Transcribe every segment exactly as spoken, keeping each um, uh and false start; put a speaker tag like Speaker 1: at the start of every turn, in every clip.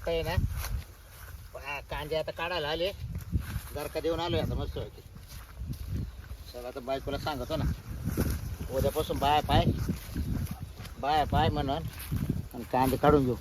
Speaker 1: आता आहे ना आ, कांदे आता काढायला आले जर का देऊन आलोय आता मस्त होती सगळं आता बायकोला सांगतो ना उद्यापासून बाय पाय बाय पाय म्हणून आणि कांदे काढून घेऊ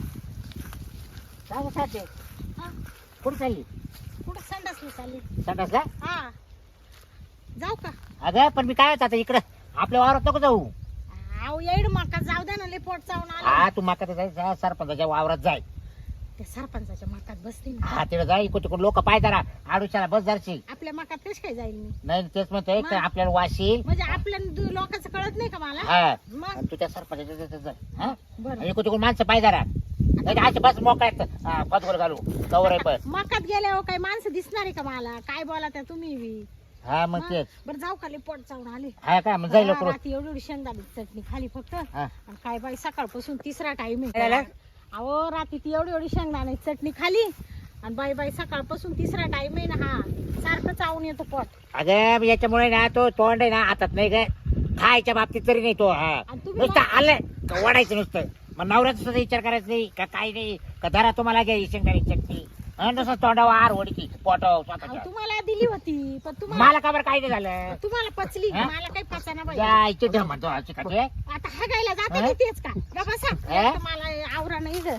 Speaker 1: काय साधे
Speaker 2: हा
Speaker 1: कुठं चालली
Speaker 2: कुठं संडासली चालली
Speaker 1: संडासला
Speaker 2: हा जाऊ का
Speaker 1: अगं पण मी काय होतं आता इकडं आपल्या वावरात नको जाऊ
Speaker 2: आव येड मका जाऊ दे ना लय पोट चावून आलं
Speaker 1: हा तू माका जाय सरपंचाच्या वावरात जाय
Speaker 2: त्या सरपंचाच्या मकात बसते ना
Speaker 1: हा तिकडे जाय इकडे तिकडे लोक पाय जरा आडूशाला बस जरशी
Speaker 2: आपल्या मकात कशी काय जाईल मी
Speaker 1: नाही तेच म्हणतोय
Speaker 2: मग?
Speaker 1: तर आपल्याला वाशील
Speaker 2: म्हणजे आपल्या दु- लोकांचं कळत नाही का मला
Speaker 1: हा
Speaker 2: मग
Speaker 1: आणि तू त्या सरपंचाच्या तिथं जाय हा
Speaker 2: बरं
Speaker 1: आणि इकडे तिकडे माणसं पाय जरा नाही असे बस मोकळ्यात पदगोल घालू कवर आहे पण
Speaker 2: मकात गेल्यावर काही माणसं दिसणार आहे का मला काय बोला त्या तुम्ही बी
Speaker 1: हा मग
Speaker 2: मग?
Speaker 1: तेच
Speaker 2: बरं जाऊ का लय पोट चावून आले
Speaker 1: हा का मग जाईल
Speaker 2: हा,
Speaker 1: लवकर
Speaker 2: रात्री एवढी एवढी शेंगदाणी चटणी खाली फक्त
Speaker 1: हा
Speaker 2: आणि काय बाई सकाळपासून तिसरा टाइम
Speaker 1: काय
Speaker 2: आहे
Speaker 1: झालं?
Speaker 2: अहो रात्री ती एवढी एवढी शेंगदाणे चटणी खाली आणि बाई बाई सकाळपासून तिसरा टाइम आहे ना हा सारखं चावून येतो पोट
Speaker 1: अगं याच्यामुळे ना तो तोंड आहे ना हातात नाही काय खायच्या बाबतीत तरी नाही तो हा
Speaker 2: आणि तुम्ही
Speaker 1: नुसतं आलं का वाढायचं नुसतं मग नवऱ्याचा सुद्धा विचार करायचा नाही का काही नाही का धरा तुम्हाला घ्या ही शेंगदाणी चटणी आणि नुसतं तोंडावर आर ओढकी पोटाव
Speaker 2: अहो,
Speaker 1: स्वतःच्या
Speaker 2: तुम्हाला दिली होती पण तुम्हाला
Speaker 1: मला का बरं काही नाही झालं
Speaker 2: तुम्हाला पचली
Speaker 1: हा?
Speaker 2: मला काही पचाना बाई
Speaker 1: जायचे ढ म्हणतो हा चिकाचे
Speaker 2: आता हागायला जाते
Speaker 1: हा?
Speaker 2: की तेच का ग बसा
Speaker 1: हा?
Speaker 2: एक तर मला आवरा नाही ग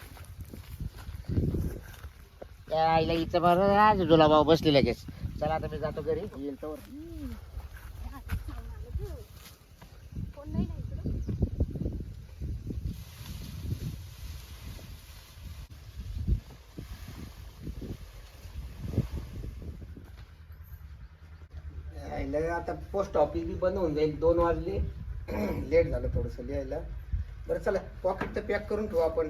Speaker 1: आईला हिचं बरं आज जुला भाऊ बसली लगेच चला आता मी जातो घरी येईल तर
Speaker 2: कोण नाही ना इकडं?
Speaker 3: यायला आता पोस्ट ऑफिस बी बंद होऊन जाईल दोन वाजले लेट झालं थोडंसं लिहायला बरं चला पॉकेट तर पॅक करून ठेवू आपण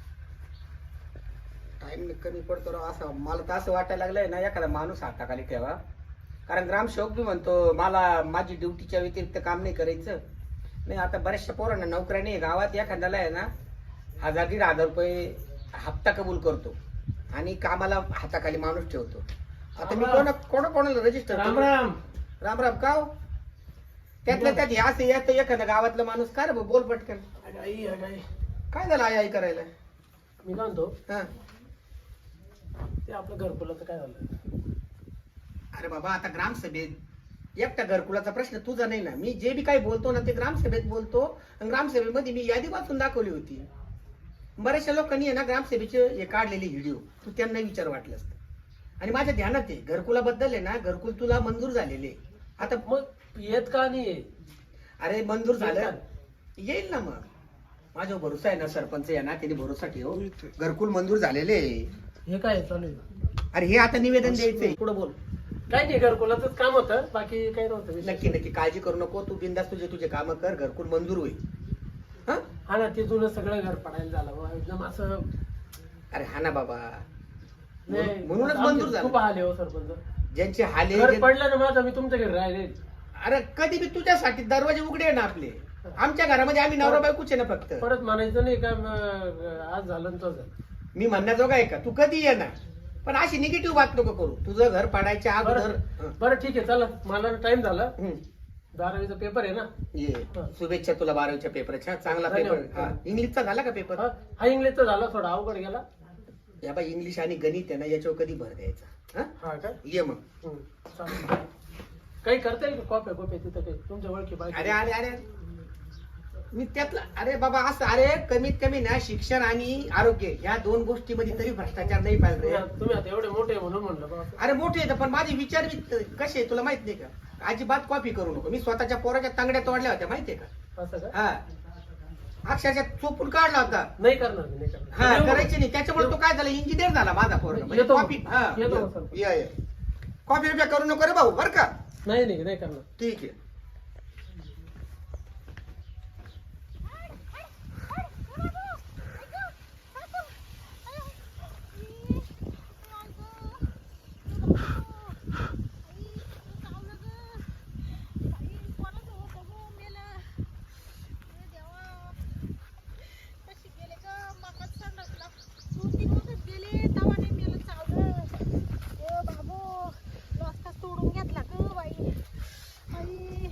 Speaker 3: टाइम कमी पडतो राव असं मला तर असं वाटायला लागलंय ना एखादा माणूस हाताखाली ठेवा कारण ग्रामसेवक बी म्हणतो मला माझी ड्युटीच्या व्यतिरिक्त काम नाही करायचं नाही आता बऱ्याचशा पोरांना नोकऱ्या नाही गावात एखाद्याला आहे ना हजार दीड हजार रुपये हप्ता कबूल करतो आणि कामाला हाताखाली माणूस ठेवतो आता मी कोणा कोणा कोणाला रजिस्टर
Speaker 4: राम राम
Speaker 3: राम राम का हो? त्यातल्या त्यात हे असं येतं एखादा गावातला माणूस काय रे भाऊ, बोल पटकन
Speaker 4: आई आई
Speaker 3: काय झालं आई आई करायला
Speaker 4: मी काय म्हणतो
Speaker 3: हा
Speaker 4: ते आपलं घरकुलाचं काय झालं
Speaker 3: अरे बाबा आता ग्रामसभेत एकटा घरकुलाचा प्रश्न तुझा नाही ना मी जे बी काही बोलतो ना ते ग्रामसभेत बोलतो आणि ग्रामसभेमध्ये मी यादी वाचून दाखवली होती बऱ्याचशा लोकांनी आहे ना ग्रामसभेचे हे काढलेले व्हिडिओ तू त्यांना विचार वाटलं असतं आणि माझ्या ध्यानात आहे घरकुलाबद्दल आहे ना घरकुल तुला मंजूर झालेले आता
Speaker 4: मग येत का नाही
Speaker 3: अरे मंजूर झालं येईल ना मग माझा भरोसा आहे ना सरपंच आहे ना त्यांनी भरोसा ठेव घरकुल मंजूर झालेले आहे.
Speaker 4: हे काय चालू आहे?
Speaker 3: अरे हे आता निवेदन द्यायचंय पुढे बोल
Speaker 4: काय नाही घरकुलाचंच काम होतं बाकी काही नव्हतं विशेष.
Speaker 3: नक्की नक्की काळजी करू नको तू बिंदास तुझे तुझे काम कर घरकुल मंजूर होईल हा
Speaker 4: हा ना ते जुनं सगळं घर पडायला झालं बुवा. एकदम असं
Speaker 3: अरे हा ना बाबा
Speaker 4: नाही,
Speaker 3: म्हणूनच
Speaker 4: आमचे
Speaker 3: मंजूर
Speaker 4: खूप
Speaker 3: झालं
Speaker 4: आले हो सरपंच
Speaker 3: ज्यांचे हाले
Speaker 4: घर
Speaker 3: जे-
Speaker 4: पडलं ना माझं मी तुमच्या घरी राहिले
Speaker 3: अरे कधी बी तुझ्यासाठी दरवाजे उघडे आहे ना आपले आमच्या घरामध्ये आम्ही नवरा बायकोच आहे ना फक्त
Speaker 4: परत म्हणायचं नाही का म- आज झालं ना तो झालं
Speaker 3: मी म्हणण्याजोगा आहे का तू कधी ये ना पण अशी निगेटिव्ह बात नको करू तुझं घर पाडायच्या अगोदर
Speaker 4: बरं बरं ठीक आहे चला मला टाइम झाला
Speaker 3: हं.
Speaker 4: बारावीचा पेपर आहे ना
Speaker 3: ये शुभेच्छा तुला बारावीच्या पेपरच्या चांगला पेपर
Speaker 4: धन्यवाद.
Speaker 3: हा इंग्लिशचा झाला का पेपर
Speaker 4: हा हा इंग्लिशचा झाला थोडा अवघड गेला
Speaker 3: या बाई इंग्लिश आणि गणित आहे ना याच्यावर कधी भर द्यायचा हा
Speaker 4: हा काय
Speaker 3: ये मग
Speaker 4: हं, चालेल. काही करता येईल का कॉप्या कॉप्या तिथं काही तुमच्या ओळखी
Speaker 3: अरे
Speaker 4: बाकी
Speaker 3: अरे अरे मी त्यातला अरे बाबा असं अरे कमीत कमी ना शिक्षण आणि आरोग्य या दोन गोष्टीमध्ये तरी भ्रष्टाचार नाही पाहिजे रे.
Speaker 4: तुम्ही आता एवढे मोठे आहे म्हणून म्हणलं बा.
Speaker 3: अरे मोठे आहेत पण माझे विचार बी कसे आहे तुला माहित नाही का अजिबात कॉपी करू नको मी स्वतःच्या पोराच्या तांगड्या तोडल्या होत्या माहितीये का
Speaker 4: असं का
Speaker 3: हा अक्षरशः चोपून काढला होता
Speaker 4: नाही करणार मी, नाही करणार
Speaker 3: हा
Speaker 4: येऊ मग.
Speaker 3: करायचे नाही त्याच्यामुळे तो काय झाला इंजिनियर झाला माझा पोरगा म्हणजे
Speaker 4: येतो मग.
Speaker 3: कॉपी हा
Speaker 4: येतो मग, सर.
Speaker 3: ये, ये. कॉपी बिप्या करू नको रे भाऊ बर का
Speaker 4: नाही नाही नाही करणार
Speaker 3: ठीक आहे
Speaker 2: तोडून घेतला ग बाई आई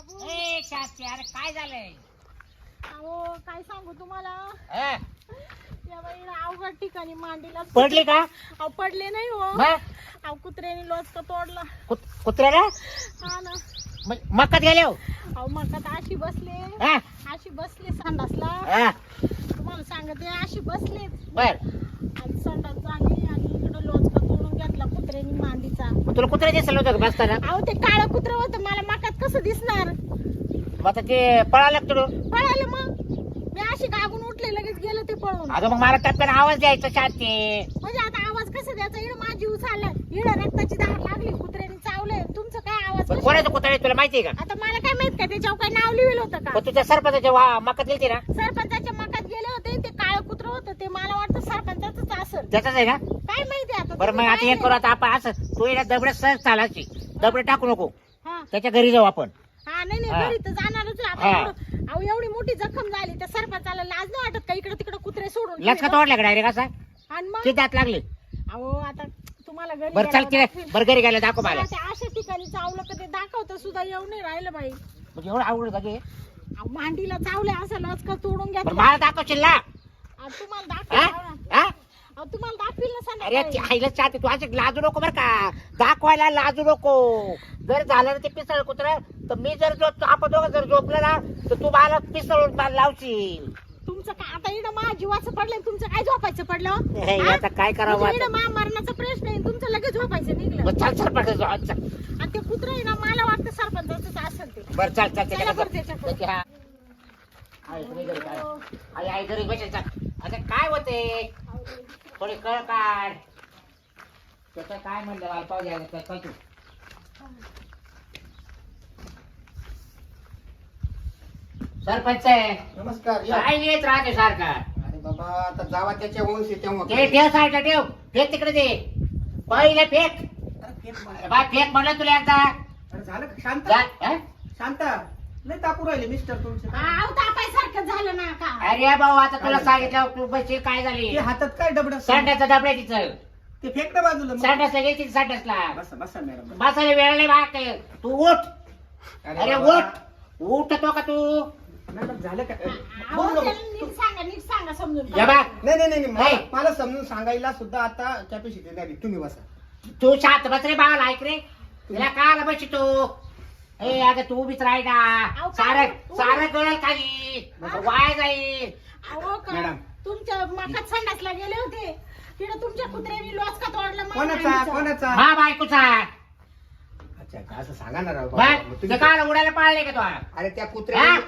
Speaker 2: बाबू
Speaker 1: ए शास्त्री, अरे काय झालंय?
Speaker 2: अहो काय सांगू तुम्हाला,
Speaker 1: हा?
Speaker 2: या बाईला अवघड ठिकाणी मांडीला
Speaker 1: पडली का?
Speaker 2: अहो पडले नाही हो,
Speaker 1: मग?
Speaker 2: अहो कुत्र्याने लोचका तोडला.
Speaker 1: कुत- कुत्र्याला
Speaker 2: हा ना.
Speaker 1: मग- मक्कात गेले हो?
Speaker 2: अहो मकात अशी बसले,
Speaker 1: हा?
Speaker 2: अशी बसले संडासला.
Speaker 1: हा,
Speaker 2: तुम्हाला सांगते अशी बसले
Speaker 1: बर.
Speaker 2: आणि संडास झाली आणि इकडं लोचका तोडून घेतला कुत्र्याने मांडीचा.
Speaker 1: मग तुला कुत्रा दिसलं होतं का बसताना?
Speaker 2: अहो ते काळं कुत्र होतं, मला मकात कसं दिसणार?
Speaker 1: मग आता ते पळालं का तुला?
Speaker 2: पळालं मग मी अशी गागून उठले, लगेच गेलं ते पळून.
Speaker 1: अगं मग मला टप्प्याने आवाज द्यायचा शांती.
Speaker 2: म्हणजे आता आवाज कसा द्यायचा? इकडं माझी उचालला, इकडं रक्ताची धार लागली, कुत्र्याने चावलंय. तुमचं काय आवाज
Speaker 1: पण
Speaker 2: कसा?
Speaker 1: कोणाचं कुत्रा आहे तुला माहितीये का?
Speaker 2: आता मला काय माहित का त्याच्यावर काय नाव लिहिलं होतं का?
Speaker 1: पण तुझ्या सरपंचाच्या वा- मक्कात गेलती ना?
Speaker 2: सरपंचाच्या मकात गेले होते, ते काळं कुत्र होतं, ते मला वाटतं सरपंचाचंच असेल.
Speaker 1: त्याचाच आहे ना?
Speaker 2: काय माहिती आता.
Speaker 1: बरं मग
Speaker 2: तुम्ही
Speaker 1: आता
Speaker 2: काय
Speaker 1: एक करू, आता आपण असं तू येणार दबड्यात सहज चालायची, दबडे टाकू नको,
Speaker 2: हा
Speaker 1: त्याच्या घरी जाऊ आपण.
Speaker 2: हा नाही नाही,
Speaker 1: हा.
Speaker 2: घरी तर जाणारच आहे.
Speaker 1: हा.
Speaker 2: आता एवढं- अहो एवढी मोठी जखम झाली, त्या सरपंचाला लाज नाही वाटत का इकडे तिकडे कुत्रे सोडून
Speaker 1: लचका
Speaker 2: गेले?
Speaker 1: तोडला का डायरेक्ट असा?
Speaker 2: आणि मग
Speaker 1: किती दात लागले?
Speaker 2: अहो आता तुम्हाला घरी
Speaker 1: बरं चाल
Speaker 2: गेल्यावर
Speaker 1: तिथे,
Speaker 2: दाखवीन.
Speaker 1: बरं घरी गेलं दाखव मला.
Speaker 2: मला त्या अशा ठिकाणी चावलं का ते दाखवतं सुद्धा येऊ नाही राहिलं बाई.
Speaker 1: म्हणजे एवढं आवडत का ते?
Speaker 2: अहो, मांडीला चावले असं लचका तोडून
Speaker 1: बरं
Speaker 2: घेतलं.
Speaker 1: मला दाखवशील ना?
Speaker 2: अहो, तुम्हाला
Speaker 1: हा?
Speaker 2: दाखव
Speaker 1: हा?
Speaker 2: अहो तुम्हाला दाखवील ना
Speaker 1: अरे ती
Speaker 2: संध्याकाळी.
Speaker 1: आईला चाहते तू असे लाजू नको बरं का, दाखवायला लाजू नको. जर झालं ना ते पिसळ कुत्र, तर मी जर जो आपण दोघं जर झोपलं ना, तर तू मला पिसळून मला लावशील.
Speaker 2: तुमचं काय आता इकडं मा जीवाचं पडलं, तुमचं काय झोपायचं पडलं?
Speaker 1: हे,
Speaker 2: हा?
Speaker 1: आता काय करावं
Speaker 2: म्हणजे
Speaker 1: आता?
Speaker 2: इकडं मा मरणाचा प्रश्न आहे, तुमचं लगेच झोपायचं निघलं.
Speaker 1: मग चाल चाल पडलं जाऊ, चल.
Speaker 2: आणि ते कुत्र आहे ना, मला वाटतं सरपंचाचंच असेल ते.
Speaker 1: बरं चाल चाल
Speaker 2: चला बरं त्याच्याकडे.
Speaker 1: त्याच्या हा. आई घरी घरी काय? आई आई घरी बसेल चाल. आता काय होते थोडी कळ काढ. त्याचं काय म्हणलं मला पाहू द्या, चल तू. सरपंच आहे
Speaker 3: नमस्कार या.
Speaker 1: काय येत राहते सारखा?
Speaker 3: अरे बाबा आता जावा त्याच्या वंश तेव्हा
Speaker 1: ते ठेव साईडला ठेव, फेक तिकडे दे, पहिले फेक.
Speaker 3: अरे फेक मारा.
Speaker 1: बा फेक म्हणलं तुला एकदा.
Speaker 3: अरे झालं का? शांत
Speaker 1: जा, हा?
Speaker 3: शांत लय तापू राहिले मिस्टर तुमचे.
Speaker 2: अहो तापायसारखं झालं ना का?
Speaker 1: अरे भाऊ आता तुला सांगितलं तू बसशील काय झाली?
Speaker 3: ते हातात काय डबड
Speaker 1: संडासचा डबडा तिचं,
Speaker 3: ते फेक ना बाजूला मग.
Speaker 1: संडासला गेली संडासला.
Speaker 3: बसा बसा मॅडम.
Speaker 1: बसायला वेळ नाही बा. तू उठ, अरे
Speaker 3: बाबा.
Speaker 1: उठ, उठतो का तू?
Speaker 3: मॅडम झालं का?
Speaker 2: अहो,
Speaker 3: बोल ना.
Speaker 2: त्याला नीट सांगा, नीट सांगा समजून.
Speaker 1: या बा,
Speaker 3: नाही नाही नाही मला-
Speaker 1: नाही.
Speaker 3: मला समजून सांगायला सुद्धा आता कॅपॅसिटी नाही. तुम्ही बसा.
Speaker 1: तू शांत बस रे बाळा, ऐक रे. तुला काला बशी तू? ए अगं तू उभीच राही ना,
Speaker 2: अहो,
Speaker 1: सारं
Speaker 2: काय?
Speaker 1: सारं गळल खाली,
Speaker 2: हा?
Speaker 1: वाय जाईल.
Speaker 2: अहो का
Speaker 3: मॅडम.
Speaker 2: तुमच्या मकात संडासला गेले होते, तिकडे तुमच्या कुत्र्याने लोचका तोडला मला
Speaker 3: कोणाचा
Speaker 2: मांडीचा.
Speaker 3: कोणाचा?
Speaker 1: हा बायकोचा.
Speaker 3: अच्छा अच्छा, असं सांगा ना राव
Speaker 1: बघ,
Speaker 3: बाबा. मग
Speaker 1: ते
Speaker 3: तुम्ही-
Speaker 1: काला उडायला पाळले का तू?
Speaker 3: अरे त्या कुत्र्याने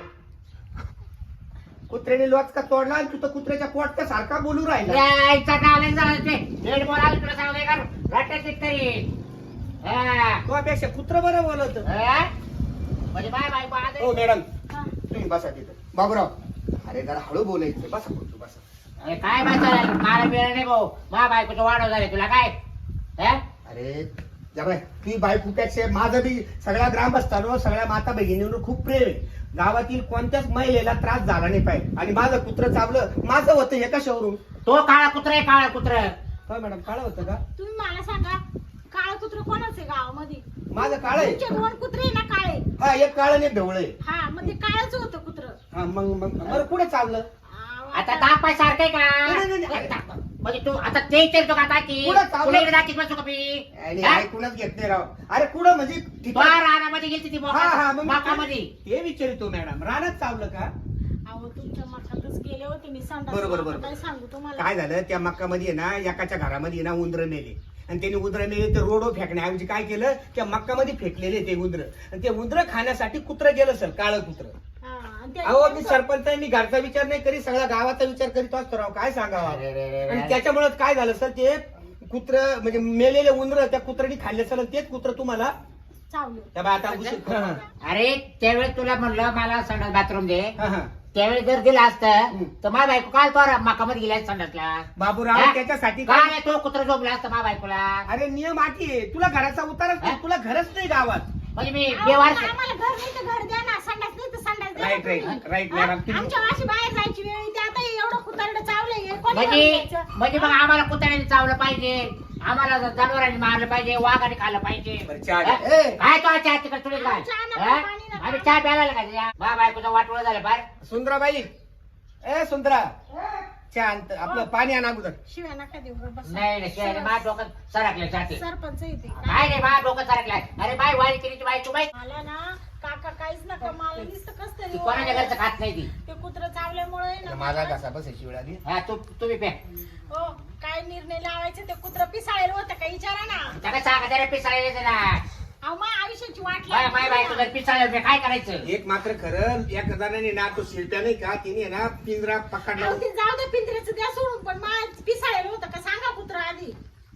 Speaker 3: कुत्र्याने लोचका तोडला आणि तू तर कुत्र्याच्या पोटच्या सारखा बोलू राहिला.
Speaker 1: यायचा काला जायचे रेड बॉल आला तुला सांगू का रट्ट्यात तरी. हा.
Speaker 3: तुझ्यापेक्षा कुत्र बरं बोलत.
Speaker 1: हा? म्हणजे बाय बायको आज
Speaker 3: हो मॅडम
Speaker 2: हा.
Speaker 3: तुम्ही बसा तिथं. बाबूराव अरे जरा हळू बोलायचं. बसा बोलतो बसा.
Speaker 1: अरे काय बसायला मला वेळ नाही भाऊ, मा बायकोचं वाढव झाले तुला काय? हा?
Speaker 3: अरे जबाय ती बायकोपेक्षा माझं बी सगळ्या ग्रामस्थांवर सगळ्या माता भगिनींवर खूप प्रेम आहे. गावातील कोणत्याच महिलेला त्रास झाला नाही पाहिजे. आणि माझं कुत्र चावलं माझं होतं हे कशावरून?
Speaker 1: तो काळा कुत्रा आहे, काळा कुत्रा.
Speaker 3: काय मॅडम काळ होतं का?
Speaker 2: तुम्ही मला सांगा, काळं कुत्र कोणाचं आहे गावामध्ये?
Speaker 3: माझं काळ आहे.
Speaker 2: तुमचे दोन कुत्रे आहे ना काळे?
Speaker 3: हा एक काळ आणि ढवळ आहे.
Speaker 2: हा मग ते काळच होतं कुत्र.
Speaker 3: हा मग मग बरं कुठे चावलं?
Speaker 2: अहो,
Speaker 1: आता दापाय सारखं आहे
Speaker 3: नाही, नाही, नाही.
Speaker 1: का? म्हणजे तू आता ते विचारतो का दाखी
Speaker 3: पुढं चावलं.
Speaker 1: तुला इकडे दाखीत बसू का मी?
Speaker 3: आणि
Speaker 1: हा?
Speaker 3: ऐकूनच घेत नाही राव. अरे कुठं म्हणजे
Speaker 1: तो
Speaker 3: ठिकाण-
Speaker 1: रानामध्ये गेली ती
Speaker 3: हा हा मग
Speaker 1: माकामध्ये.
Speaker 3: ते विचारितो मॅडम. रानात चावलं का?
Speaker 2: अहो तुमच्या मकातच गेले होते मी संडास.
Speaker 3: बरोबर, बरोबर.
Speaker 2: काय सांगू तुम्हाला?
Speaker 3: काय झालं त्या मक्कामध्ये ना एकाच्या घरामध्ये ना उंदरं मेले आणि त्यांनी उंदरं मेले तर रोडो फेकण्याऐवजी काय केलं त्या मक्कामध्ये फेकलेले ते उंदरं आणि ते उंदरं खाण्यासाठी कुत्रं गेलं सर काळं कुत्रं.
Speaker 2: हा, आणि ते-
Speaker 3: अहो मी सरपंच आहे, मी घरचा विचार नाही करी सगळ्या गावाचा विचार करीत असतो राव. काय सांगावं?
Speaker 1: अरे, अरे, अरे,
Speaker 3: आणि
Speaker 1: अरे.
Speaker 3: त्याच्यामुळे काय झालं सर ते कुत्र म्हणजे मेलेले उंदरं त्या कुत्र्याने खाल्ले सर तेच कुत्र तुम्हाला
Speaker 2: चावले.
Speaker 3: त्या बा आता उशीर- हा,
Speaker 1: अरे त्यावेळेस तुला म्हणलं मला संडास बाथरूम दे,
Speaker 3: हा, हा.
Speaker 1: त्यावेळेस जर दिलं असतं
Speaker 3: हम्म.
Speaker 1: तर माझ्या बायको काल तो माकामध्ये गेल्या संडासला.
Speaker 3: बाबूराव
Speaker 1: हा?
Speaker 3: त्याच्यासाठी काय
Speaker 1: काय तो कुत्र झोपला असतं माझ्या बायकोला.
Speaker 3: अरे नियम अटी आहे. तुला घराचा उतारच नाही.
Speaker 1: हा?
Speaker 3: तुला घरच नाही गावात.
Speaker 1: म्हणजे मी
Speaker 2: अहो,
Speaker 1: बेवार
Speaker 2: पण आम्हाला घर नाही तर घर द्या ना, संडास नाही तर संडास द्या ना
Speaker 3: राईट राईट
Speaker 2: तुम्ही.
Speaker 3: राईट
Speaker 2: हा?
Speaker 3: मॅडम तुम्ही-
Speaker 2: आमच्या अशी बाहेर जायची वेळ येते, आता हे एवढं कुतारडं चावलंय, हे कोणी
Speaker 1: म्हणजे
Speaker 2: घेऊन जायचं?
Speaker 1: म्हणजे मग आम्हाला कुत्र्याने चावलं पाहिजे, आम्हाला जनावरांनी मारलं पाहिजे, वाघाने खाल्लं पाहिजे.
Speaker 3: बरं, चहा
Speaker 1: हा?
Speaker 3: द्या. ए!
Speaker 1: काय तो चहा तिकडे तुला काय?
Speaker 2: चहा नका,
Speaker 1: हा?
Speaker 2: पाणी नका.
Speaker 1: आम्ही चहा प्यायला आलो का तुझ्या मा बायकोचं वाटोळं झालं फार.
Speaker 3: सुंदराबाई ए सुंदरा शांत आपलं पाणी आण अगोदर.
Speaker 2: शिव्या नका देऊ गं, बसा.
Speaker 1: नाही नाही शिवाय मा डोकं सरकलं जाते.
Speaker 2: सरपंच येते
Speaker 1: काय रे मा डोकं सरकलाय. अरे बाय वाई केली बाय तू बाई
Speaker 2: मला ना काका काहीच नका, मला नुसतं कस
Speaker 1: ती
Speaker 2: तरी
Speaker 1: कोणाच्या घरचं खात नाही ती.
Speaker 2: ते कुत्र चावल्यामुळे ना
Speaker 3: माझा
Speaker 2: मला-
Speaker 3: घसा बसायची वेळ आली.
Speaker 1: हा तू तुम्ही प्या.
Speaker 2: हो काय निर्णय लावायचे ते कुत्र पिसाळेल होतं का विचारा ना.
Speaker 1: त्याला सांगा जरा पिसाळायचं ना.
Speaker 2: अहो मा आयुष्याची वाट
Speaker 1: बाय
Speaker 2: लागली
Speaker 1: बाय बाय
Speaker 2: मला.
Speaker 1: तुझं पिसाळ काय करायचं.
Speaker 3: एक मात्र खरं एक जणांनी ना तो शिल्प्या नाही का तिने ना पिंजरा पकडला.
Speaker 2: अहो, ते जाऊ दे पिंजऱ्याचं द्या सोडून, पण मा पिसाळेल होतं का सांगा कुत्र आधी.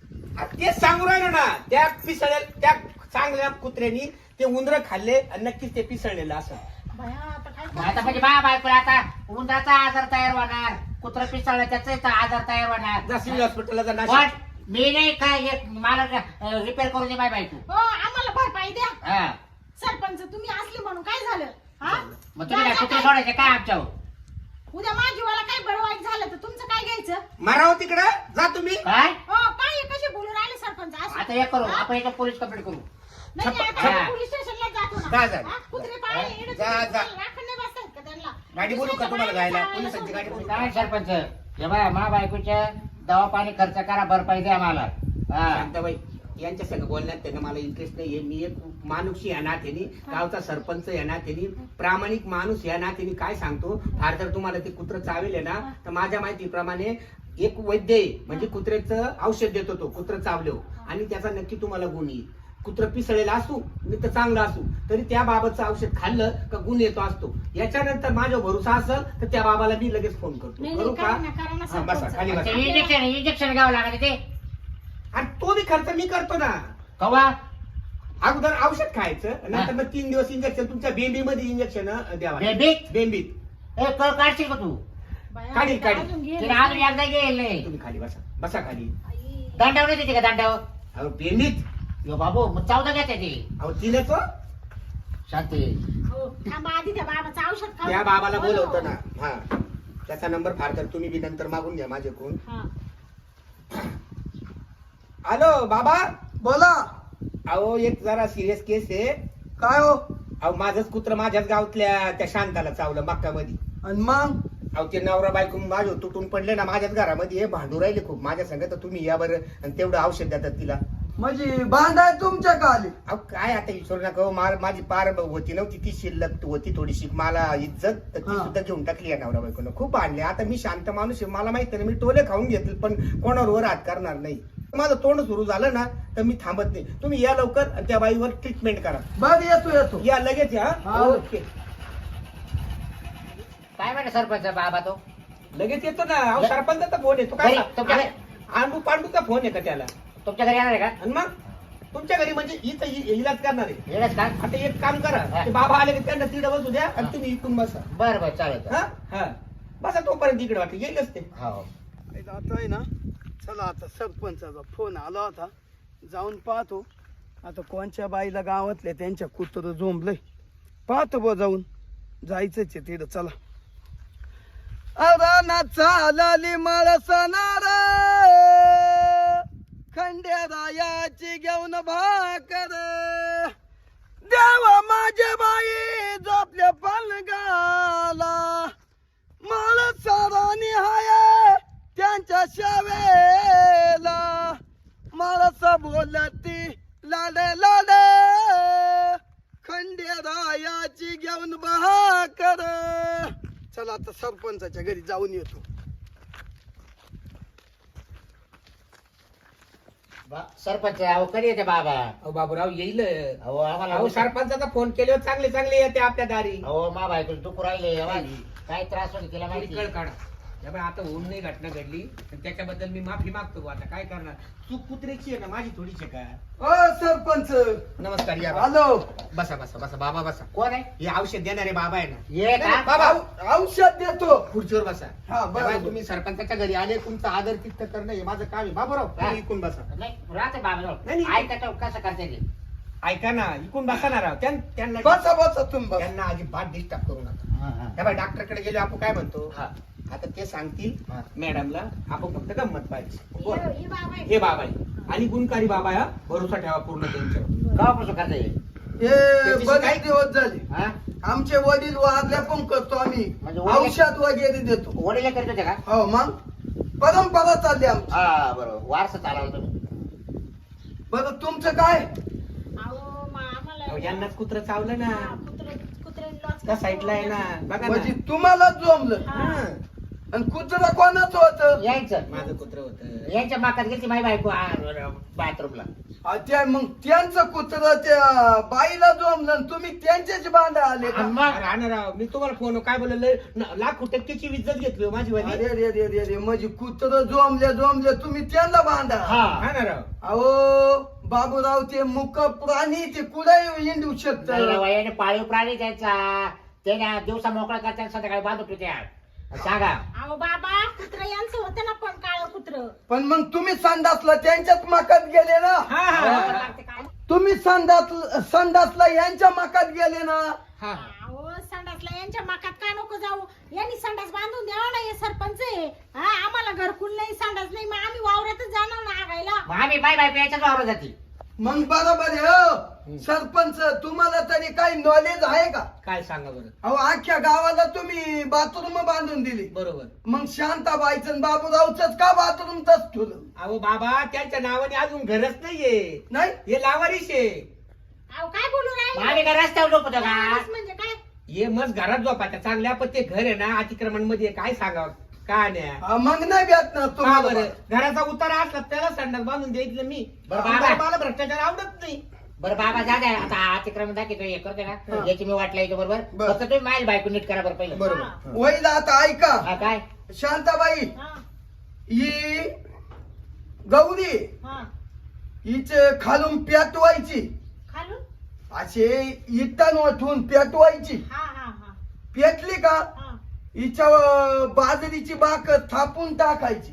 Speaker 3: तेच सांगू राहिलो ना त्या पिसळ्या त्या चांगल्या कुत्र्यांनी ते उंदर खाल्ले आणि नक्कीच ते पिसळलेलं असं.
Speaker 2: भया आता काय
Speaker 1: मग आता म्हणजे बा बायकोला आता उंदराचा आजार तयार होणार, कुत्र पिसाळलं त्याचा आजार तयार होणार.
Speaker 3: जा सिव्हिल हॉस्पिटलला जा
Speaker 1: पण
Speaker 3: नाशिक.
Speaker 1: मी नाही काय हे मला रिपेअर करून दे बाय बायको.
Speaker 2: हो आम्हाला भरपाई द्या.
Speaker 1: हा
Speaker 2: सरपंच तुम्ही असले म्हणून काय झालं हा?
Speaker 1: मग तुम्ही
Speaker 2: जा,
Speaker 1: कुत्रे
Speaker 2: जा,
Speaker 1: सोडायचे काय आमच्यावर.
Speaker 2: उद्या माझीवाला काय बरं वाईट झालं तर तुमचं काय घ्यायचं.
Speaker 3: मारावं तिकडं जा तुम्ही.
Speaker 1: काय
Speaker 2: हो काय हे कसे बोलून राहिले सरपंच असं?
Speaker 1: आता हे करू
Speaker 2: हा?
Speaker 1: आपण याच्यात पोलीस कंप्लेंट करू.
Speaker 2: नाही नाही,
Speaker 3: छप्प-
Speaker 2: आता
Speaker 1: छप्प-
Speaker 2: आपण पोलीस स्टेशनला जातो
Speaker 3: जा,
Speaker 2: ना.
Speaker 3: जा.
Speaker 2: हा? कुत्रे पाळले इकडे
Speaker 3: जा, जा.
Speaker 2: राखण नाही बसतायत का त्यांना.
Speaker 3: गाडी बोलू का तुम्हाला जायला?
Speaker 2: दुसऱ्याच्या
Speaker 3: पोलिसांची
Speaker 2: बाहेर
Speaker 3: गाडी बोलू.
Speaker 1: काय सरपंच हे बघा मा बायकोच्या दवा पाणी खर्च करा, भरपाई द्या मला. हा
Speaker 3: शांताबाई यांच्या संग बोलण्यात त्यांना मला इंटरेस्ट नाहीये. मी एक माणूस या नात्याने गावचा सरपंच या नात्याने प्रामाणिक माणूस या नात्याने काय सांगतो. फार तर तुम्हाला ते कुत्र चावेल ना तर माझ्या माहितीप्रमाणे एक वैद्य आहे म्हणजे कुत्र्याचं औषध देतो तो कुत्र चावलो आणि त्याचा नक्की तुम्हाला गुण येईल. कुत्र पिसळलेला असू नाही तर चांगला असू तरी त्या बाबाचं औषध खाल्लं का गुण येतो असतो. याच्यानंतर माझा भरोसा असेल तर त्या बाबाला मी लगेच फोन करतो.
Speaker 2: नाही,
Speaker 3: करू
Speaker 2: नाही,
Speaker 3: का?
Speaker 2: करा ना, करा ना,
Speaker 3: हा, बसा
Speaker 2: सरपंच.
Speaker 3: खाली बसा.
Speaker 1: इंजेक्शन इंजेक्शन घ्यावं लागत ते
Speaker 3: आणि तो बी खर्च मी करतो ना.
Speaker 1: कवा.
Speaker 3: अगोदर औषध खायचं नंतर मग तीन दिवस इंजेक्शन तुमच्या बेंबी मध्ये इंजेक्शन द्यावा.
Speaker 1: बेबीत
Speaker 3: बेंबीत
Speaker 1: ए कळ काढशील का तू.
Speaker 2: बाया,
Speaker 3: काढील,
Speaker 2: आता
Speaker 3: काढील.
Speaker 2: अजून घे
Speaker 1: तिने
Speaker 2: ना.
Speaker 1: अजून एकदा गेल नाही.
Speaker 3: तुम्ही खाली बसा बसा खाली.
Speaker 2: आई.
Speaker 1: दांडावर नाही देते का दांडावर.
Speaker 3: अहो बेंबीत
Speaker 1: यो बाबू मग चौदा घ्या त्याची
Speaker 3: अहो तिने तो
Speaker 1: शांती.
Speaker 2: हो, थांबा आधी त्या बाबाचं औषध खाऊ.
Speaker 3: त्या बाबाला
Speaker 2: हो,
Speaker 3: बोलवतो
Speaker 2: हो.
Speaker 3: ना. हा त्याचा नंबर फार तर तुम्ही बी नंतर मागून घ्या माझ्याकडून.
Speaker 2: हा.
Speaker 3: हॅलो बाबा.
Speaker 5: बोला.
Speaker 3: अहो एक जरा सिरियस केस आहे.
Speaker 5: काय हो?
Speaker 3: अहो माझंच कुत्र माझ्याच गावातल्या त्या शांताला चावलं मक्कामध्ये.
Speaker 5: आणि मग
Speaker 3: अहो ते नवरा बायको माझ्या तुटून पडले ना माझ्याच घरामध्ये हे भांडू राहिले खूप माझ्या संग. तर तुम्ही या बरं आणि तेवढं औषध देतात तिला.
Speaker 5: म्हणजे बांधाय तुमच्या खाली.
Speaker 3: अहो काय आता विचारू नका हो. मा- माझी पार होती नव्हती ती शिल्लक होती थोडीशी मला इज्जत तर ती
Speaker 5: हा.
Speaker 3: सुद्धा घेऊन टाकली या नवरा बायकोनं. खूप भांडले. आता मी शांत माणूस आहे मला माहिती नाही मी टोले खाऊन घेतले पण कोणावर वर हात करणार नाही. माझं तोंड सुरू झालं ना तर मी थांबत नाही. तुम्ही या लवकर आणि त्या बाईवर ट्रीटमेंट करा.
Speaker 5: बघ येतो येतो.
Speaker 3: या लगेच या.
Speaker 5: हा.
Speaker 3: ओके
Speaker 1: काय म्हणा सरपंच बाबा तो.
Speaker 3: लगेच येतो ना. अहो सरपंचाचा फोन येतो
Speaker 1: घरी,
Speaker 3: काय
Speaker 1: तुमच्या घरी?
Speaker 3: आंडू पांडूचा फोन आहे का त्याला.
Speaker 1: तुमच्या घरी येणार आहे का.
Speaker 3: आणि मग तुमच्या घरी म्हणजे इथं इ- इलाज करणार आहे.
Speaker 1: येणार का.
Speaker 3: आता एक काम करा
Speaker 1: हा.
Speaker 3: ते बाबा आले की त्यांना तिकडे बसू द्या आणि तुम्ही इकडून बसा.
Speaker 1: बरं बरं चालेल.
Speaker 3: हा हा बसा तोपर्यंत इकडे वाटतं येईलच ते.
Speaker 1: हो
Speaker 5: आता आहे ना चला आता सरपंचाचा फोन आला होता जाऊन पाहतो. आता कोणच्या बाईला गावातले त्यांच्या कुत्र झोंबलंय पाहतो बा जाऊन. जायचंच आहे तिथं चला. अरे ना चालली माळसणार खंडेरायाची घेऊन भाकर देवा माझे बाई झोपल्या पलगाला माळसारानी हाय त्यांच्या शावेला माळस बोलती लाडे लाडे खंडेरायाची घेऊन भाकर. चला आता सरपंचाच्या घरी जाऊन येतो.
Speaker 1: बा- सरपंच अहो कधी येते बाबा.
Speaker 3: अहो बाबूराव येईल.
Speaker 1: अहो आम्हाला
Speaker 3: अहो सरपंचाचा फोन केल्यावर चांगले चांगले येते आपल्या दारी.
Speaker 1: अहो मा बायको दुखू राहिले अहो, काय त्रास होते तिला
Speaker 3: थोडी
Speaker 1: माहिती.
Speaker 3: कळ काढा. त्यामुळे आता होऊन नाही घटना घडली आणि त्याच्याबद्दल मी माफी मागतो बुवा. आता काय करणार चूक कुत्र्याची आहे ना माझी थोडीशी काय.
Speaker 5: ओ सरपंच
Speaker 3: नमस्कार या बा.
Speaker 5: हॅलो.
Speaker 3: बसा बसा बसा बाबा बसा.
Speaker 1: कोण आहे.
Speaker 3: हे औषध देणारे बाबा आहे ना.
Speaker 1: ये का.
Speaker 3: बाबा
Speaker 5: औ- औषध देतो.
Speaker 3: खुर्चीवर बसा.
Speaker 5: हा, बरोबर.
Speaker 3: तेव्हा तुम्ही सरपंचाच्या घरी आले तुमचा आदर तिथ्थ करणं हे माझं काम आहे. बाबूराव
Speaker 1: हा.
Speaker 3: तुम्ही इकून बसा.
Speaker 1: नाही राहते बाबा
Speaker 3: नाही, नाही.
Speaker 1: ऐका तो कसं करते ते.
Speaker 3: ऐका ना इकून बसा ना राव. त्यां- त्यांना
Speaker 5: बसा बसा तुम्ही बसा.
Speaker 3: त्यांना अजिबात डिस्टर्ब करू नका.
Speaker 1: हा, हा.
Speaker 3: त्या डॉक्टरकडे गेलो आपण काय म्हणतो
Speaker 1: हा.
Speaker 3: आता ते सांगतील
Speaker 1: हा.
Speaker 3: मॅडमला आपण फक्त गंमत पाहिजे. बोल.
Speaker 2: हे- हे बाबा आहे.
Speaker 3: हे बाबा आहे आणि गुणकारी बाबा आहे हा. भरोसा ठेवा पूर्ण त्यांच्यावर.
Speaker 1: केव्हापासून करता येईल.
Speaker 5: हे
Speaker 3: त्याच्याशी
Speaker 5: बरेच
Speaker 3: काय-
Speaker 5: दिवस झाले
Speaker 1: हा
Speaker 5: आमचे वडील वारल्या पण करतो आम्ही
Speaker 1: म्हणजे वडील-
Speaker 5: औषध वगैरे देतो
Speaker 1: वडील करत होते का
Speaker 5: हो मग परंपरा चालली आमची
Speaker 1: हा बरोबर वारसा चालवला तुम्ही
Speaker 5: बरं तुमचं काय
Speaker 2: अहो मा- आम्हाला
Speaker 3: अहो, यांनाच कुत्र चावलं ना
Speaker 2: हा, कुत्रं- कुत्र्याने लॉस
Speaker 3: त्या साईडला आहे ना बघा
Speaker 5: म्हणजे
Speaker 3: ना
Speaker 5: तुम्हाला जमलं
Speaker 2: हा.
Speaker 3: हं.
Speaker 5: आणि कुत्रा कोणाचं होतं
Speaker 1: यायचं
Speaker 3: माझं कुत्र होत
Speaker 1: यांच्या माकात गेली माई बायको बाथरूमला
Speaker 5: आ, त्या मग त्यांचं कुत्र त्या बाईला जमलं आणि तुम्ही त्यांच्याच बांधा आले का
Speaker 1: मग
Speaker 3: राहणार मी तुम्हाला फोन काय बोललं लाखो टक्केची इज्जत घेतली हो माझी वाली
Speaker 5: अरे रे रे रे रे म्हणजे कुत्र जोमले जोमले तुम्ही त्यांना बांधा
Speaker 1: हा
Speaker 3: राहणार
Speaker 5: अहो बाबूराव ते मुक प्राणी ते कुठे येऊ शकत
Speaker 1: वयाने पाळीव प्राणी त्याचा त्याने दिवसा मोकळा करतात संध्याकाळी बांधत होते सांगा
Speaker 2: अहो बाबा कुत्र यांचं होतं ना पण काळं कुत्र
Speaker 5: पण मग तुम्ही संडासला त्यांच्याच मकात गेले ना
Speaker 3: हा हा
Speaker 2: लागते काय
Speaker 5: तुम्ही संडास संडासला यांच्या मकात गेले ना
Speaker 3: हा
Speaker 2: अहो संडासला यांच्या मकात का नको जाऊ यांनी संडास बांधून द्यावा ना हे सरपंच आहे हा आम्हाला घरकुल नाही संडास नाही मग आम्ही वावरातच जाणार ना आगायला
Speaker 1: मग आम्ही माई बायको याच्याच वावरत जाते
Speaker 5: मग बरोबर आहे हो सरपंच तुम्हाला तरी काही नॉलेज आहे का
Speaker 3: काय सांगा बरं
Speaker 5: अहो अख्ख्या गावाला तुम्ही बाथरूम बांधून दिली
Speaker 3: बरोबर
Speaker 5: मग शांताबाईचं बाबूरावच का बाथरूम तच ठेवलं
Speaker 3: अहो बाबा त्यांच्या नावाने अजून घरच नाहीये
Speaker 5: नाही
Speaker 3: हे लावारीश आहे
Speaker 2: अहो काय बोलू
Speaker 1: मग
Speaker 2: राहिले
Speaker 1: आम्ही काय रस्त्यावर झोपतो का
Speaker 2: म्हणजे काय
Speaker 3: हे मस्त घरात झोपायचं चांगल्या पण ते घर आहे ना अतिक्रमण मध्ये काय सांगावं काय नाही
Speaker 5: हा, मग नाही भेटणार
Speaker 3: का
Speaker 5: तुम्हाला
Speaker 3: बरं घराचा उतारा असला त्याला संडास बांधून द्यायचं मी
Speaker 1: बरं,
Speaker 3: आम्हाला
Speaker 1: बाबा.
Speaker 3: मला भ्रष्टाचार आवडत नाही
Speaker 1: बरं बाबा जा द्या आता अतिक्रमण दाखवतो हे करते
Speaker 5: हा.
Speaker 1: का याची मी वाटला येतो बरोबर
Speaker 5: बरं.
Speaker 1: फक्त तुम्ही माईल बायको नीट करा बरं पहिलं
Speaker 5: बरोबर वैला आता ऐका
Speaker 1: हा काय
Speaker 5: शांताबाई
Speaker 2: हा
Speaker 5: ही गौरी
Speaker 2: हा
Speaker 5: हिचे खालून पेटवायची
Speaker 2: खालून
Speaker 5: असे इटान वाटून पेटवायची
Speaker 2: हा हा हा
Speaker 5: पेटली का
Speaker 2: हा
Speaker 5: हिच्या बाजरीची बाक थापून टाकायची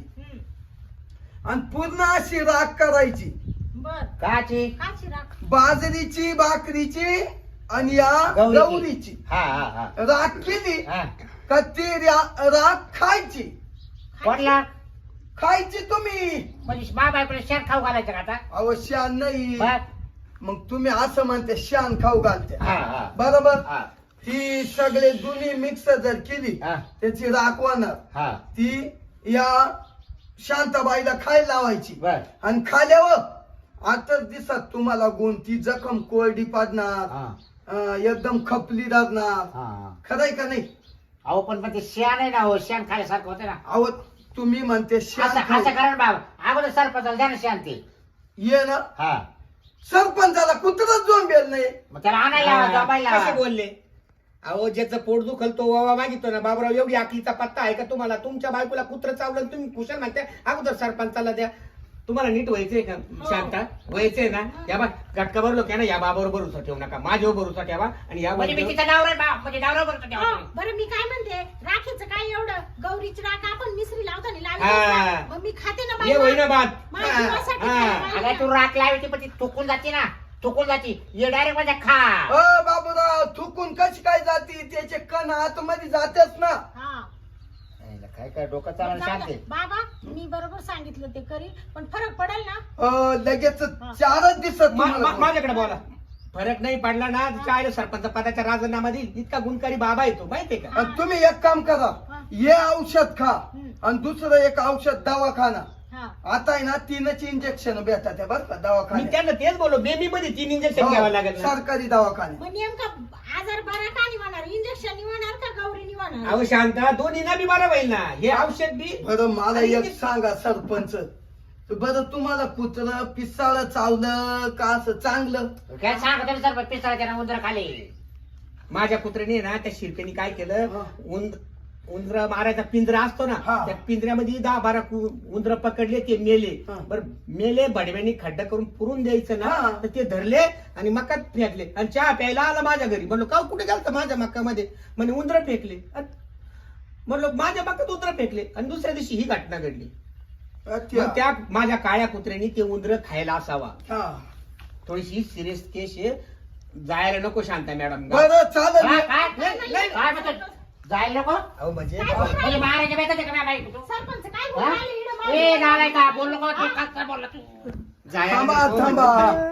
Speaker 2: हम्म.
Speaker 5: आणि पूर्ण अशी राख करायची
Speaker 2: बर
Speaker 1: काची
Speaker 2: काची राख
Speaker 5: बाजरीची भाकरीची आणि या
Speaker 1: गौरीची.
Speaker 5: गौरीची
Speaker 1: हा हा हा
Speaker 5: राख केली
Speaker 1: हा
Speaker 5: का ती रा- राख खायची
Speaker 1: कोणला
Speaker 5: खायची तुम्ही
Speaker 1: म्हणजे मा बायकोला शेण खाऊ घालायचं का आता
Speaker 5: अवश्य नाही
Speaker 1: बरं.
Speaker 5: मग तुम्ही असं म्हणते शान खाऊ घालते
Speaker 1: हा हा
Speaker 5: बरोबर
Speaker 1: हा
Speaker 5: ती सगळे जुनी मिक्स जर केली
Speaker 1: हा.
Speaker 5: त्याची राख होणार
Speaker 1: हा
Speaker 5: ती या शांताबाईला खायला लावायची
Speaker 1: बर
Speaker 5: आणि खाल्यावर आताच दिसत तुम्हाला गुण ती जखम कोरडी पाडणार
Speaker 1: हा
Speaker 5: अं, एकदम खपली राहणार
Speaker 1: हा हा.
Speaker 5: खरंय का नाही
Speaker 1: अहो पण मग ते शेण आहे ना हो शेण खाल्यासारखं होतं ना
Speaker 5: अहो तुम्ही म्हणते शान
Speaker 1: असं
Speaker 5: खाऊ.
Speaker 1: असं करा ना बाबा अगोदर सरपंचाला द्या ना शेण ते
Speaker 5: ये ना
Speaker 1: हा
Speaker 5: सरपंचाला कुत्रच झोंबेल नाही
Speaker 1: मग त्याला आणायला लावा, झोपायला
Speaker 3: कसे
Speaker 1: लावा.
Speaker 3: बोलले अहो ज्याचं पोट दुखल तो वावा मागितो ना बाबराव एवढी आखलीचा पत्ता आहे का तुम्हाला तुमच्या बायकोला कुत्र चावलं आणि तुम्ही कुशल म्हणता अगोदर सरपंचाला द्या तुम्हाला नीट व्हायचंय का शांता व्हायचंय ना या बा गटका भरलो की ना या बाबावर भरोसा ठेवू नका माझ्यावर भरोसा ठेवा आणि या
Speaker 1: म्हणजे मी
Speaker 3: बाईवर-
Speaker 1: तिचा डावरा बा म्हणजे डावरा करतो
Speaker 2: हो,
Speaker 1: तेव्हा.
Speaker 2: बरं मी काय म्हणते राखीचं काय एवढं गौरीची राख आपण मिसरी लावताना लावली
Speaker 3: हा.
Speaker 2: ना. मग मी खाते ना
Speaker 3: ये होई ना
Speaker 2: बाई
Speaker 3: बात
Speaker 2: माझ्या
Speaker 3: हा,
Speaker 2: जीवासाठी
Speaker 3: हा.
Speaker 2: खायला
Speaker 1: अगं तू राख लावायची पण ती थुकून जाते ना थुकून जाते ये डायरेक्ट म्हणजे खा
Speaker 5: अ बाबूराव थुकून कशी काय जाती त्याचे कण आतमध्ये जातेच ना
Speaker 2: हा
Speaker 1: काय काय डोकं
Speaker 2: बरं,
Speaker 1: चालवलं
Speaker 2: जाऊ
Speaker 1: शांती
Speaker 2: दे. बाबा मी बरोबर सांगितलं ते करी पण फरक पडेल ना
Speaker 5: अ, लगेच चारच दिसत
Speaker 3: मा- मा-
Speaker 5: तुम्हाला.
Speaker 3: माझ्याकडे बोला फरक नाही पडला ना काय सरपंच पदाचा राजीनामा देईल इतका गुणकारी बाबा येतो माहितीये का
Speaker 5: आणि तुम्ही एक काम करा
Speaker 2: हा.
Speaker 5: हे औषध खा
Speaker 2: हम्म.
Speaker 5: आणि दुसरं एक औषध दवाखाना
Speaker 2: हा
Speaker 5: आता आहे ना तीनच इंजेक्शन भेटतात आहे बरं का
Speaker 3: मी
Speaker 5: दवाखान्यात
Speaker 3: त्यांना तेच बोललो बेबी मध्ये तीन इंजेक्शन घ्यावं
Speaker 5: हो,
Speaker 3: लागेल ना.
Speaker 5: सरकारी दवाखाने
Speaker 2: मग नेमका आजार बरा का निवाणार इंजेक्शन निवाणार का गौरी निवाणार
Speaker 3: अहो शांता दोन्ही ना बी बरं होईल ना हे औषध बी
Speaker 5: बरं मला एक सांगा सरपंच बरं तुम्हाला कुत्र पिसाळ चावलं का असं चांगलं
Speaker 1: काय सांगतो ना सर पिसाळ त्यानं उंदर खाली
Speaker 3: माझ्या कुत्र्याने ना त्या शिरपेनी काय केलं
Speaker 5: हा.
Speaker 3: उंद उंदर मारायचा पिंजरा असतो ना
Speaker 5: हा.
Speaker 3: त्या पिंजऱ्यामध्ये दहा बारा उंदर पकडले ते मेले
Speaker 5: हा.
Speaker 3: बरं मेले बडव्यांनी खड्डा करून पुरून द्यायचं ना
Speaker 5: हा.
Speaker 3: तर ते धरले आणि मकात फेकले आणि चहा प्यायला आला माझ्या घरी म्हणलो का कुठे गेलं माझ्या मक्कामध्ये म्हणे उंदर फेकले अन म्हणलो माझ्या मक्कात उंदर फेकले आणि दुसऱ्या दिवशी ही घटना घडली
Speaker 5: अच्छा.
Speaker 3: मग त्या माझ्या काळ्या कुत्र्याने ते उंदर खायला असावा
Speaker 5: हा.
Speaker 3: थोडीशी सिरियस केस आहे जायला नको शांता मॅडम
Speaker 5: बरं चालेल
Speaker 1: काय काय
Speaker 3: नाही, नाही.
Speaker 1: काय म्हणतो जायला नको
Speaker 3: अहो म्हणजे
Speaker 2: काय बोलला?
Speaker 1: म्हणजे मारायच्या बेताचे का बाई तू
Speaker 2: सरपंच काय
Speaker 1: हा?
Speaker 2: बोलायला इकडं
Speaker 1: ए
Speaker 2: मागे?
Speaker 1: नालाय का बोल नको तू काय बोलला तू
Speaker 3: जायला
Speaker 5: थांबा
Speaker 3: नको.
Speaker 5: थांबा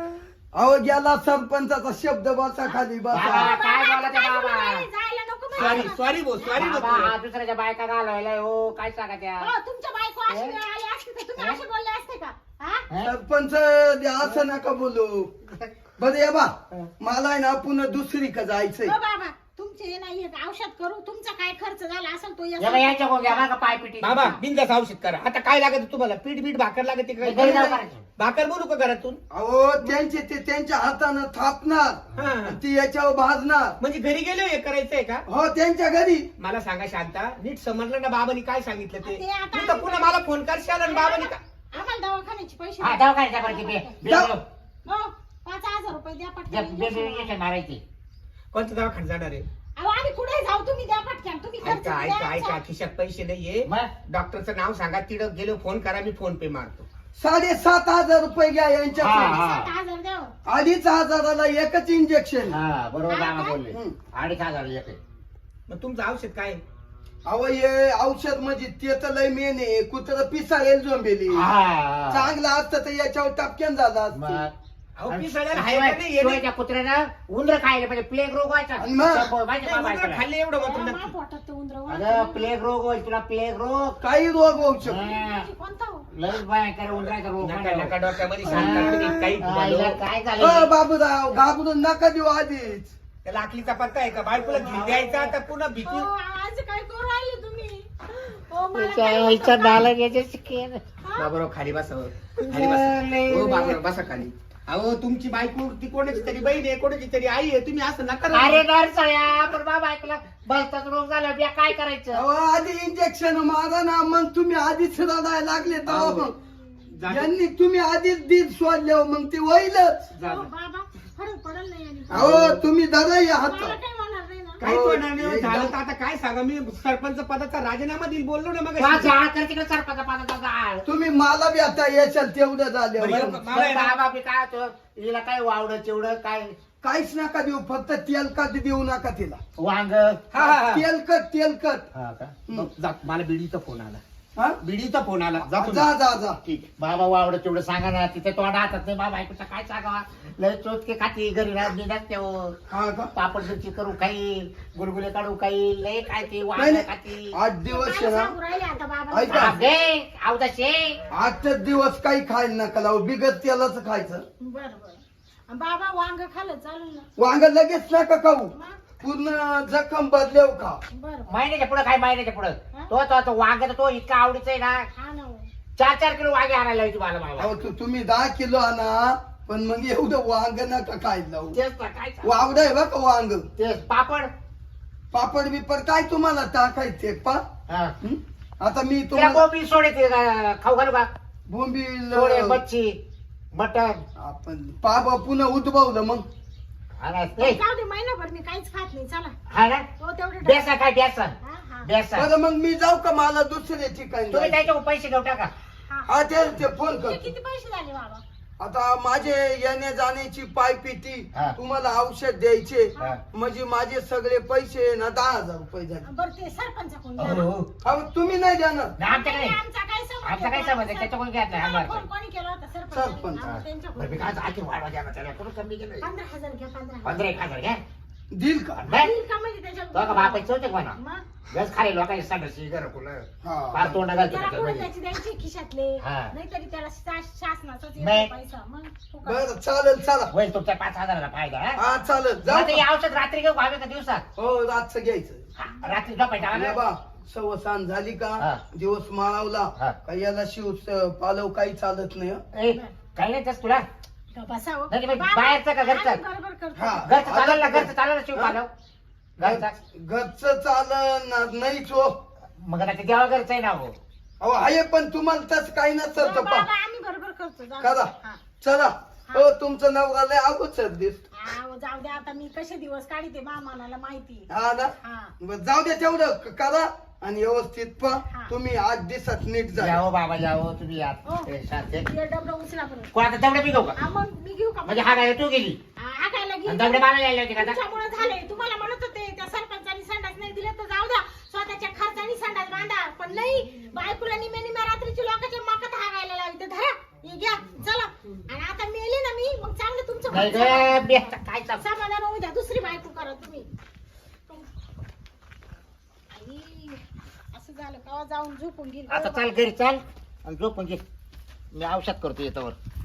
Speaker 5: अहो गेला सरपंचाचा शब्द बसा खाली बसा
Speaker 1: बाबा, काय
Speaker 2: बाबा,
Speaker 1: बोलायचं
Speaker 2: काय
Speaker 1: बाबा?
Speaker 2: बोलू नये, जायला नको
Speaker 3: सॉरी
Speaker 2: म्हणायचं.
Speaker 3: सॉरी भाऊ सॉरी
Speaker 1: बाबा,
Speaker 3: भाऊ
Speaker 1: हा दुसऱ्याच्या बायका घालवायला हो काय सांगा त्या
Speaker 2: हो, तुमच्या बायको अशी वेळ आली असती तर तुम्ही असे बोलले असते का हा?
Speaker 1: हं?
Speaker 5: सरपंच असं नका बोलू बरं या बा मला आहे ना पुन्हा दुसरी का जायचंय
Speaker 2: हो बाबा तुमचे नाही एक औषध करू तुमचा काय खर्च झाला असेल तो या
Speaker 1: या बाई, यांच्या कोण घ्या बरं का पाय पिटी
Speaker 3: बाबा बिंदास औषध करा आता काय लागत तुम्हाला पीठ बीठ भाकर लागते
Speaker 1: घरी जाऊ
Speaker 3: काय
Speaker 1: करायचं.
Speaker 3: भाकर बोलू का घरातून
Speaker 5: अहो त्यांचे ते त्यांच्या हातानं थापणार
Speaker 3: हा.
Speaker 5: ती याच्यावर भाजणार
Speaker 3: म्हणजे घरी गेलो हे करायचंय का
Speaker 5: हो त्यांच्या घरी
Speaker 3: मला सांगा शांता नीट समजलं ना बाबांनी काय सांगितलं ते
Speaker 2: ते आता-
Speaker 3: तू तर पुन्हा मला फोन करशाल आणि बाबांनी का
Speaker 2: आम्हाला दवाखान्याचे पैसे
Speaker 1: हा
Speaker 2: द्या.
Speaker 1: दवाखान्याच्या बरं किती
Speaker 5: जाऊ.
Speaker 2: हो पाच हजार रुपये द्या पटकन
Speaker 1: इंजेक्शन मारायची
Speaker 3: कोणत्या दवाखान्यात जाणार आहे
Speaker 2: अहो आम्ही कुठे जाऊ तुम्ही द्या पटकन तुम्ही खर्च
Speaker 3: ऐका
Speaker 2: द्या
Speaker 3: ऐका ऐका
Speaker 2: आमचा.
Speaker 3: खिशात पैसे नाहीये
Speaker 1: मग
Speaker 3: डॉक्टरचं नाव सांगा तिकडं गेलो फोन करा मी फोन पे मारतो
Speaker 5: साडेसात हजार रुपये घ्या
Speaker 1: हा,
Speaker 5: यांच्याकडे
Speaker 1: हा.
Speaker 2: सात हजार द्या हो.
Speaker 5: अडीच हजाराला एकच इंजेक्शन
Speaker 1: हा बरोबर बाबा बोलले
Speaker 5: हं.
Speaker 1: अडीच हजार येते
Speaker 3: मग तुमचं औषध काय आहे?
Speaker 5: अहो हे औषध म्हणजे ते तर लय मेन आहे कुत्र पिसाळेल झोंबेली
Speaker 1: हा
Speaker 5: चांगलं असतं तर याच्यावर टपक्यान झालं असतं.
Speaker 1: मग
Speaker 3: अहो,
Speaker 1: आणि-
Speaker 3: पिसाळ्याला
Speaker 1: आणि
Speaker 3: हाय का नाही? येणे-
Speaker 1: शिवायच्या कुत्र्यानं उंदर खायला पाहिजे प्लेग रोग व्हायचा
Speaker 5: आणि मग?
Speaker 1: त्यामुळे माहिती
Speaker 3: नाही,
Speaker 1: आहे का
Speaker 3: उंदरं
Speaker 1: बायकोला?
Speaker 3: खाल्ले एवढं
Speaker 2: अहो,
Speaker 3: मात्र
Speaker 2: मा
Speaker 3: नक्की.
Speaker 2: पोटात ते उंदरं
Speaker 1: अगं
Speaker 2: वाढतात.
Speaker 1: प्लेग रोग होईल तुला प्लेग रोग
Speaker 5: काही रोग होऊ शकतो
Speaker 1: हा.
Speaker 2: म्हणजे कोणता हो?
Speaker 1: लय भयंकर उंदराचा रोग
Speaker 3: नका
Speaker 1: म्हणतो.
Speaker 3: नका डोक्यामध्ये सांगता तुम्ही काही
Speaker 1: हा, हिला
Speaker 3: बोलू.
Speaker 1: काय
Speaker 5: अ,
Speaker 1: झालं
Speaker 5: बाबूराव घाबरून नका देऊ आधीच
Speaker 3: त्याला आखलीचा पत्ता आहे का बायकोला घेऊन द्यायचा आता पुन्हा
Speaker 2: हो,
Speaker 3: भीती
Speaker 2: आज काय करू राहिले तुम्ही हो, मला
Speaker 1: तिच्या
Speaker 2: काय
Speaker 1: आईचा
Speaker 2: होतं?
Speaker 1: नाला याच्या शिकेल.
Speaker 2: हा?
Speaker 3: बाबूराव खाली बसा हो. खाली बसा
Speaker 1: लय-
Speaker 3: हो बाबूराव बसा खाली अहो तुमची बायको ती कोणाची तरी बहीण आहे कोणाची तरी आई आहे तुम्ही असं नका ना.
Speaker 1: अरे नरसळ्या पण बाबा ऐकला बसताच रोग झाला बिया काय करायचं
Speaker 5: अहो आधी इंजेक्शन मारा ना मग तुम्ही आधीच रडायला लागले तर
Speaker 3: अहो,
Speaker 5: मग
Speaker 3: जा-
Speaker 5: यांनी तुम्ही आधीच दीद सोडल्यावर मग ते होईलच
Speaker 3: जा-
Speaker 2: हो,
Speaker 3: जा.
Speaker 2: बाबा फरक पडेल नाही आणि.
Speaker 5: अहो तुम्ही धरा या
Speaker 2: मला
Speaker 5: हात
Speaker 2: काही होणार नाही ना
Speaker 3: काय
Speaker 5: हो,
Speaker 3: होणार नाही,
Speaker 5: एकदा-
Speaker 3: झालं तर आता काय सांगा मी सरपंच पदाचा राजीनामा देईल बोललो ना मग
Speaker 1: तुला झाड कर तिकडे सरपंच पाण्याचा झाड
Speaker 5: तुम्ही मला बी आता येशाल तेवढं झालं
Speaker 3: बरं, मला आहे ना-
Speaker 1: बाबा बी काय होतं हिला काय वावडं चिवडं काय
Speaker 5: काहीच नका देऊ फक्त तेलकट देऊ नका तिला
Speaker 1: वांग
Speaker 3: हा, हा, हा.
Speaker 5: तेलकट तेलकट
Speaker 1: हा का?
Speaker 3: मग जा, मला बिडीचा फोन आला
Speaker 5: हा?
Speaker 3: बिडीचा फोन आला जातो
Speaker 5: जा जा जा
Speaker 1: ठीक आहे. बाबा वावडं चिवडं सांगा ना तिथे तोंड हातात नाही बाबा ऐकूचा काय सांगावा लय चोटके खाती घरी राहत नसते हो
Speaker 5: हा का
Speaker 1: पापड मिरची करू खाईल गुलगुले काढू खाईल लय काय ते
Speaker 5: नाही
Speaker 1: वांग
Speaker 5: नाही
Speaker 1: खाती
Speaker 5: आठ दिवस आहे
Speaker 2: मला
Speaker 5: ना
Speaker 2: सांगू राहिले आता बाबा
Speaker 5: ऐका.
Speaker 1: बापरे, अवदाशे
Speaker 5: आठच दिवस काही खायला नका लावू बिगत तेलाच खायचं
Speaker 2: बर बर बाबा वांग खाल्लं चालेल ना
Speaker 5: वांग लगेच नका खाऊ
Speaker 2: मग?
Speaker 5: पूर्ण जखम बदल्याव खा
Speaker 2: बर बर
Speaker 1: महिन्याच्या पुढे काय महिन्याच्या पुढे
Speaker 2: हा?
Speaker 1: तो तो तो वांग तर तो इतका आवडीचा आहे ना
Speaker 2: हा ना हो.
Speaker 1: चार चार किलो वांगे आणायला होती मला बाबा
Speaker 5: अहो तू तुम्ही दहा किलो आणा पण मग एवढं वांग नका खायला लावू
Speaker 1: तेच ना काय सांगू.
Speaker 5: वावड आहे बघ वांग
Speaker 1: तेच पापड
Speaker 5: पापड बिपड काय तुम्हाला टाकायचे पा
Speaker 1: हा.
Speaker 5: हं? आता मी
Speaker 1: तिला
Speaker 5: तुम्हाला
Speaker 1: कोंबडी सोडे ते अं, खाऊ घालू का
Speaker 5: बोंबील
Speaker 1: सोडे मच्छी मटन
Speaker 5: आपण पापा पुन्हा उद्भवलं मग
Speaker 1: हा ए,
Speaker 2: जाऊ दे महिनाभर मी काहीच खात नाही चला
Speaker 1: हा ना
Speaker 2: हो तेवढे
Speaker 1: बेसन काय बेसन
Speaker 2: हा हा
Speaker 1: बेसन
Speaker 5: बरं मग मी जाऊ का मला दुसऱ्या ठिकाणी
Speaker 1: तुम्ही
Speaker 5: जायचं?
Speaker 1: त्याच्यावर पैसे घेऊ टाका
Speaker 2: हा
Speaker 5: हा ते ते फोन
Speaker 2: ते
Speaker 5: कर
Speaker 2: किती पैसे झाले बाबा
Speaker 5: आता माझे येण्या जाण्याची पायपिटी
Speaker 1: हा.
Speaker 5: तुम्हाला औषध द्यायचे
Speaker 1: हा.
Speaker 5: म्हणजे माझे सगळे पैसे ना दहा हजार रुपये झाले
Speaker 2: बर ते सरपंच कोण
Speaker 1: हो, हो.
Speaker 5: अहो तुम्ही नाही देणार
Speaker 1: नाही, आमच्याकडे
Speaker 2: आमचा काय संबंध
Speaker 1: आमचा काय संबंध आहे? त्याच्याकडून घ्यायचा आहे, आम्हाला
Speaker 2: फोन कोणी केला होता सरपंच
Speaker 5: सरपंच.
Speaker 1: हा. बरं, मी काय आखी वाढवा द्या ना त्याला कुठं कमी केलं
Speaker 2: पंधरा हजार घ्या पंधरा हजार.
Speaker 1: पंधरा एक हजार घ्या
Speaker 5: देईल का
Speaker 1: नाही
Speaker 2: देईल का म्हणजे त्याच्यात
Speaker 1: तो का बापायचं होते म्हणा
Speaker 2: मग
Speaker 1: गस खाली लोकांची सांगायची घर फुलं
Speaker 5: हा.
Speaker 1: फार तोंड घालते
Speaker 2: त्याला कुठं
Speaker 1: त्याच्यामध्ये.
Speaker 2: त्याची द्यायची खिशातले
Speaker 1: हा.
Speaker 2: नाहीतरी त्याला शा- शासनाचाच येतो
Speaker 1: नाही.
Speaker 2: पैसा मग तो का-
Speaker 5: बरं चालेल चला
Speaker 1: होईल तुमच्या पाच हजाराला फायदा हा?
Speaker 5: हा चालेल
Speaker 1: मग
Speaker 5: जाऊ
Speaker 1: ते
Speaker 5: का?
Speaker 1: औषध रात्री घेऊ हवे का दिवसात
Speaker 5: हो रातचं घ्यायचं
Speaker 1: हा, रात्री झोपायचा
Speaker 5: या
Speaker 1: ना?
Speaker 5: बा सवसान झाली
Speaker 1: हा.
Speaker 5: का दिवस माळवला
Speaker 1: हा.
Speaker 5: का याला शिव पालव काही चालत नाही हं?
Speaker 1: ए, काही नाही तस तुला
Speaker 2: का बसावं.
Speaker 1: नाही, नाही,
Speaker 2: बाबा,
Speaker 1: बाहेरचं का घरचं?
Speaker 2: आम्ही बरोबर करतो.
Speaker 5: हा.
Speaker 1: घरचं चालेल ना घरचं चालेल ना शिव
Speaker 5: हा?
Speaker 1: पालव घरचा
Speaker 5: घरचं चालणार नाहीच हो
Speaker 1: मग आता ते देवा घरचं आहे ना हो
Speaker 5: अहो आहे पण तुम्हाला तसं काही नसतं
Speaker 2: हो,
Speaker 5: तर
Speaker 2: बाबा,
Speaker 5: पा
Speaker 2: आम्ही बरोबर करतो जाऊ
Speaker 5: करा.
Speaker 2: दे. हा.
Speaker 5: चला हो तुमचं नवरा लय अगोदर दिस
Speaker 2: हा, हो, जाऊ दे आता मी कसे दिवस काढते मामाला माहिती
Speaker 5: हा ना
Speaker 2: हा
Speaker 5: बरं, जाऊ दे तेवढं क- करा आणि व्यवस्थित पा
Speaker 2: हा.
Speaker 5: तुम्ही आठ दिवसात नीट जा
Speaker 1: जाओ बाबा जाओ तुम्ही या
Speaker 2: हो.
Speaker 1: ए, शांत आहे.
Speaker 2: हे डबडं उचला बरं
Speaker 1: कोण आता तेवढं मी घेऊ का
Speaker 2: हा मग मी घेऊ का
Speaker 1: म्हणजे हा काय तू गेली
Speaker 2: हा, हा खायला
Speaker 1: आणि
Speaker 2: घेऊ
Speaker 1: तेवढे मला यायला होते का आता?
Speaker 2: तुमच्यामुळे झाले तुम्हाला म्हणत होते त्या सरपंचानी संडास नाही दिले तर जाऊ द्या स्वतःच्या खर्चानी संडास बांधा पण नाही बायकोला निम्या निम्या रात्रीची लोकांच्या माकात हागायला लावी तर धरा हे घ्या चला आणि आता मेले ना मी मग चांगलं तुमचं
Speaker 1: नाही
Speaker 2: तुमच्यासोबत
Speaker 1: ग बे, आता काय चाल
Speaker 2: समाधान होऊ द्या दुसरी बायको करा तुम्ही आई, असं झालं का जाऊन झोपून घेईल
Speaker 1: आता चाल घरी चाल आणि झोपून घे मी औषध करतो येतावर